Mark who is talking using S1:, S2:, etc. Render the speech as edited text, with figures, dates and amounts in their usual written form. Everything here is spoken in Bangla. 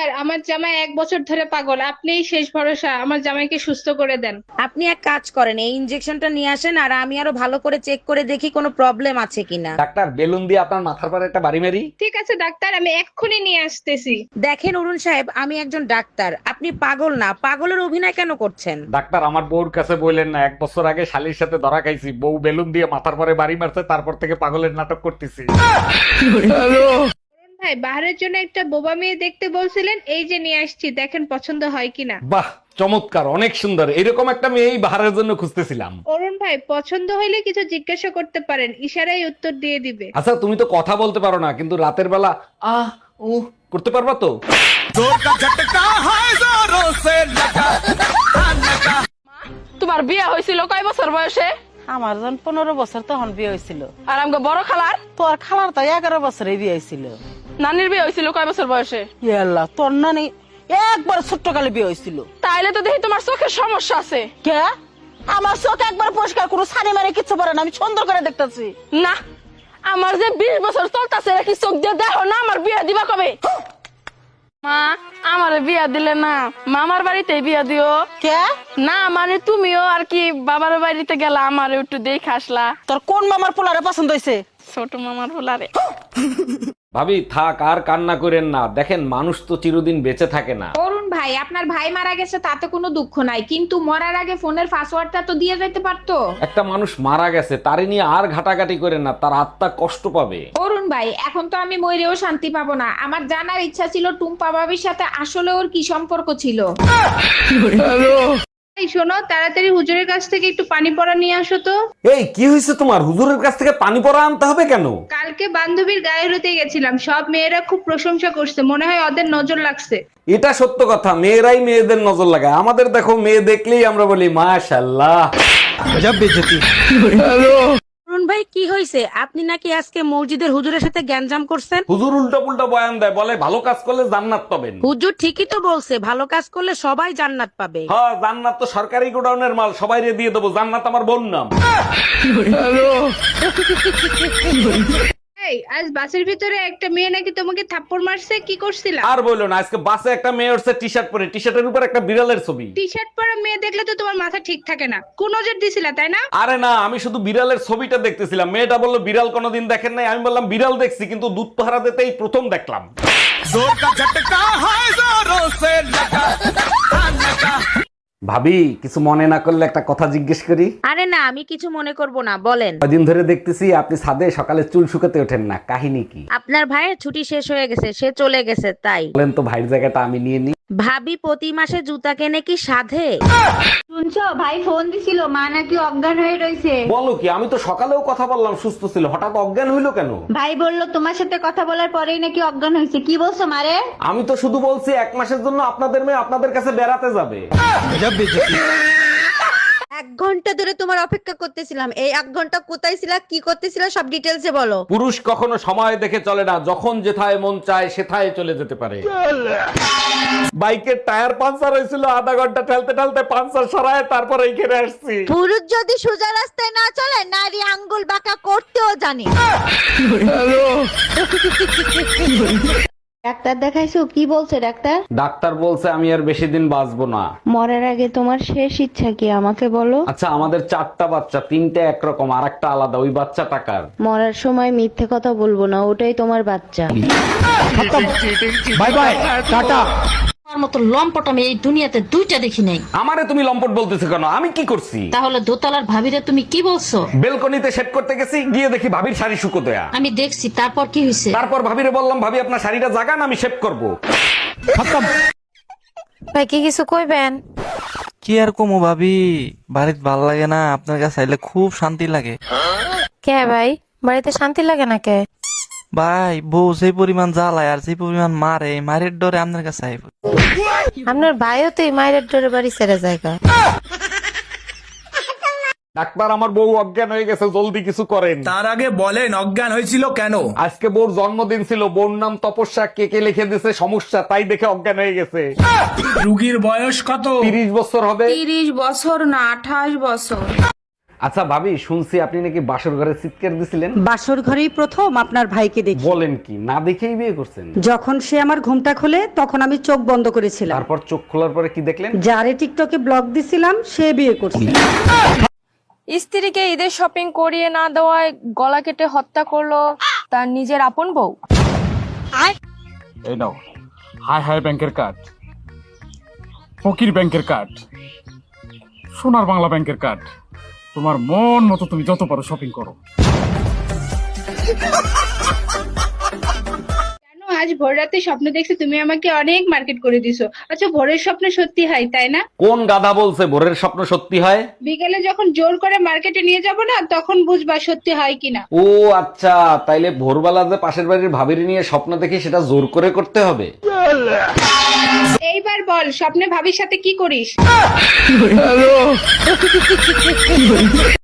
S1: ডাক্তার, আমার জামাই 1 বছর ধরে পাগল, আপনিই শেষ ভরসা, আমার জামাইকে সুস্থ করে দেন।
S2: আপনি এক কাজ করেন, এই ইনজেকশনটা নিয়ে আসেন আর আমি আরো ভালো করে চেক করে দেখি কোনো প্রবলেম আছে কিনা।
S3: ডাক্তার, বেলুন দিয়ে আপনার মাথার পরে একটা বাড়ি মারি।
S1: ঠিক আছে ডাক্তার, আমি এক্ষুনি নিয়ে আসতেছি।
S2: দেখেন অরুণ সাহেব, আমি একজন ডাক্তার, আপনি পাগল না, পাগলের অভিনয় কেন করছেন?
S3: ডাক্তার, আমার বউর কাছে বললেন না, 1 বছর আগে শালির সাথে ধরা খাইছি, বউ বেলুন দিয়ে মাথার পরে বাড়ি মারছে, তারপর থেকে পাগলের নাটক করতেছি।
S1: ভাই, বাহারের জন্য একটা বোবা মেয়ে দেখতে বলছিলেন, এই যে নিয়ে আসছি, দেখেন পছন্দ হয় কিনা।
S3: বাহ, চমৎকার, অনেক সুন্দর, এরকম একটা মেয়েই বাহারের জন্য খুঁজতেছিলাম।
S1: অরুণ ভাই, পছন্দ হইলে কিছু জিজ্ঞাসা করতে পারেন, ইশারায় উত্তর দিয়ে দিবে।
S3: আচ্ছা, তুমি তো কথা বলতে পারো না, কিন্তু রাতের বেলা আহ উ করতে পারবা তো?
S4: তোমার বিয়ে হয়েছিল কয় বছর বয়সে?
S5: আমার যখন 15 বছর তখন বিয়ে হয়েছিল।
S4: আর আমাকে বড় খালার
S5: তোর খালার তো 11 বছরে বিয়ে হয়েছিল।
S4: নানির বিয়ে হয়েছিল কয় বছর বয়সে?
S5: ইয়ে আল্লাহ, তোর নানি একবার ছোট্ট কালে বিয়ে হয়েছিল।
S4: তাইলে তো দেখি তোমার চোখের সমস্যা আছে।
S5: কে? আমার চোখ একবার পরিষ্কার, কোনো সানি মারে কিচ্ছু পারে না, আমি সুন্দর করে দেখতেছি।
S4: না, আমার যে 20 বছর চলতেছে কি চোখ দিয়ে দেখো না? আমার বিয়ে দিবা কবে? মা, আমার বিয়া দিলে না, মামার বাড়িতে বিয়া দিও।
S5: কে?
S4: না মানে তুমিও আর কি বাবার বাড়িতে গেলা, আমার একটু দেখে আসলা।
S5: তোর কোন মামার পোলারে পছন্দ হয়েছে?
S4: ছোট মামার হোলারে।
S3: ভাবি থাক, আর কান্না করেন না, দেখেন মানুষ তো চিরদিন বেঁচে থাকে না।
S2: অরুণ ভাই, আপনার ভাই মারা গেছে তাতে কোনো দুঃখ নাই, কিন্তু মরার আগে ফোনের পাসওয়ার্ডটা তো দিয়ে যেতে পারতো।
S3: একটা মানুষ মারা গেছে, তারে নিয়ে আর ঘাটাঘাটি করেন না, তার আত্মা কষ্ট পাবে।
S2: অরুণ ভাই, এখন তো আমি মরেও শান্তি পাবো না, আমার জানার ইচ্ছা ছিল টুম্পা ভাবির সাথে আসলে ওর কি সম্পর্ক ছিল।
S1: এই শোনো, তাড়াতাড়ি হুজুরের কাছ থেকে একটু পানি পড়া নিয়ে আসো তো।
S3: এই কি হয়েছে তোমার? হুজুরের কাছ থেকে পানি পড়া আনতে হবে কেন?
S1: কালকে বান্ধবীর গায়ে হলুদে গেছিলাম, সব মেয়েরা খুব প্রশংসা করছে, মনে হয় ওদের নজর লাগছে।
S3: এটা সত্য কথা, মেয়েরাই মেয়েদের নজর লাগায়, আমাদের দেখো মেয়ে দেখলেই আমরা বলি মাশাআল্লাহ।
S2: অরুণ ভাই, কি হয়েছে? আপনি নাকি আজকে মসজিদের হুজুরের সাথে গ্যাঞ্জাম করছেন?
S3: হুজুর উল্টা পুল্টা বয়ান দেয়, বলে ভালো কাজ করলে জান্নাত পাবেন।
S2: হুজুর ঠিকই তো বলছে, ভালো কাজ করলে সবাই জান্নাত পাবে।
S3: হ্যাঁ, জান্নাত তো সরকারি গোডাউনের মাল, সবাইরে দিয়ে দেবো, জান্নাত আমার বোন নাম।
S1: এই, আজ বাসের ভিতরে একটা মেয়ে নাকি তোমাকে থাপ্পড় মারছে, কি করছিলা?
S3: আর বললো না, আজকে বাসে একটা মেয়ে উঠছে টি শার্ট পরে, টি শার্টের উপর একটা বিড়ালের ছবি।
S1: টি শার্ট পরা মেয়ে দেখলে তো তোমার মাথা ঠিক থাকে না, কোন নজর দিছিলা তাই না?
S3: আরে না, আমি শুধু বিড়ালের ছবিটা দেখতেছিলাম, মেয়েটা বললো বিড়াল কোনোদিন দেখেন নাই, আমি বললাম বিড়াল দেখছি, কিন্তু দুধ পাহারা দিতেই প্রথম দেখলাম। ভাবি, কিছু মনে না করলে একটা কথা জিজ্ঞেস করি?
S2: আরে না, আমি কিছু মনে করব না, বলেন।
S3: কদিন ধরে দেখতেছি আপনি ছাদে সকালে চুল শুকাতে ওঠেন না, কাহিনী কি?
S2: আপনার ভাইয়ের ছুটি শেষ হয়ে গেছে, সে চলে গেছে তাই।
S3: বলেন তো, ভাইয়ের জায়গাটা আমি নিয়ে নিই।
S2: ভাবি প্রতি মাসে জুতা কেনে কি সাধে?
S6: শুনছো, ভাই ফোন দিছিল, মা নাকি অজ্ঞান হয়ে রয়েছে।
S3: বলো কি? আমি তো সকালেও কথা বললাম, সুস্থ ছিল, হঠাৎ অজ্ঞান হইলো কেন?
S6: ভাই বললো তোমার সাথে কথা বলার পরেই নাকি অজ্ঞান হয়েছে। কি বলছো মারে?
S3: আমি তো শুধু বলছি 1 মাসের জন্য আপনাদের মেয়ে আপনাদের কাছে বেড়াতে যাবে।
S7: 1 ঘন্টা ধরে তোমার অপেক্ষা করতেছিলাম, এই 1 ঘন্টা কোথায় ছিলা, কি করতেছিলা, সব ডিটেলসে বলো।
S3: পুরুষ কখনো সময় দেখে চলে না, যখন যেথায় মন চায় সেথায় চলে যেতে পারে। বাইকের টায়ার পাঞ্চার হয়েছিল, আধা ঘন্টা ঠেলতে ঠেলতে পাঞ্চার সরায় তারপর এইখানে আসছি।
S7: পুরুষ যদি সোজা রাস্তায় না চলে, নারী আঙ্গুল বাঁকা করতেও জানে।
S6: ডাক্তার দেখাইছো? কি বলছে ডাক্তার?
S3: ডাক্তার বলছে আমি আর বেশি দিন বাঁচবো না।
S6: মরার আগে তোমার শেষ ইচ্ছা কি আমাকে বলো?
S3: আচ্ছা, আমাদের 4টা বাচ্চা, 3টে একরকম আর একটা আলাদা, ওই বাচ্চা টাকার।
S6: মরার সময় মিথ্যে কথা বলবো না, ওটাই তোমার বাচ্চা।
S3: Bye bye, tata.
S8: আমার মতো লম্পট আমি এই দুনিয়াতে 2টা দেখি নাই।
S3: আমারে তুমি লম্পট বলতেছো কেন? আমি কি করছি?
S8: তাহলে দোতলার ভাবিরে তুমি কি বলছো?
S3: বেলকনিতে সেট করতে গেছি, গিয়ে দেখি ভাবির শাড়ি শুকো দেয়া।
S8: আমি দেখছি, তারপর কি হয়েছে?
S3: তারপর ভাবিরে বললাম, ভাবি আপনার শাড়িটা জাগান, আমি শেভ করবো।
S7: ভাই কি কিছু কইবেন?
S9: কি আর কমো ভাবি, বাড়িতে ভাল লাগে না, আপনার কাছে আইলে খুব শান্তি লাগে।
S7: কে ভাই, বাড়িতে শান্তি লাগে না কে?
S9: ভাই, বউ যে পরিমাণ জ্বালায় আর যে পরিমাণ মারে, মারের ডরে আপনার কাছে আইব।
S7: আপনার ভাইও তো এই মায়ের ডোরে বাড়ি ছেড়ে জায়গা।
S3: ডাক্তার, আমার বউ অজ্ঞান হয়ে গেছে, জলদি কিছু করেন।
S10: তার আগে বলেন অজ্ঞান হয়েছিল কেন?
S3: আজকে বউর জন্মদিন ছিল, বউর নাম তপস্যা, কেকে লিখে দিছে সমস্যা, তাই দেখে অজ্ঞান হয়ে গেছে।
S10: রুগীর বয়স কত?
S3: 30 বছর হবে।
S2: 30 বছর না, 28 বছর।
S3: আচ্ছা ভাবি, শুনছি আপনি নাকি বাসর ঘরে চিৎকার দিছিলেন।
S5: বাসর ঘরেই প্রথম আপনার ভাইকে দেখি।
S3: বলেন কি, না দেখেই বিয়ে করছেন?
S5: যখন সে আমার ঘুমটা খোলে তখন আমি চোখ বন্ধ করেছিলাম।
S3: তারপর চোখ খোলার পরে কি দেখলেন?
S5: যারে টিকটকে ব্লক দিছিলাম সে বিয়ে করছে।
S4: স্ত্রীকে ঈদের শপিং করিয়ে না দেওয়ায় গলা কেটে হত্যা করলো তার নিজের আপন বউ।
S10: এই নাও হাই হাই ব্যাংকের কার্ড, ফকির ব্যাংকের কার্ড, সোনার বাংলা ব্যাংকের কার্ড। তোমার মন মতো তুমি যত পারো শপিং করো।
S1: জানো, আজ ভোর রাতে স্বপ্ন দেখছি তুমি আমাকে অনেক মার্কেট করে দিছো। আচ্ছা, ভোরের স্বপ্ন সত্যি হয় তাই না?
S3: কোন গাধা বলছে ভোরের স্বপ্ন সত্যি হয়?
S1: বিকেলে যখন জোর করে মার্কেটে নিয়ে যাব না, তখন বুঝবা সত্যি হয় কিনা।
S3: ও আচ্ছা, তাইলে ভোরবেলা যে পাশের বাড়ির ভাবির নিয়ে স্বপ্ন দেখি সেটা জোর করে করতে হবে।
S1: এইবার বল, স্বপ্নে ভাবির সাথে কি করিস?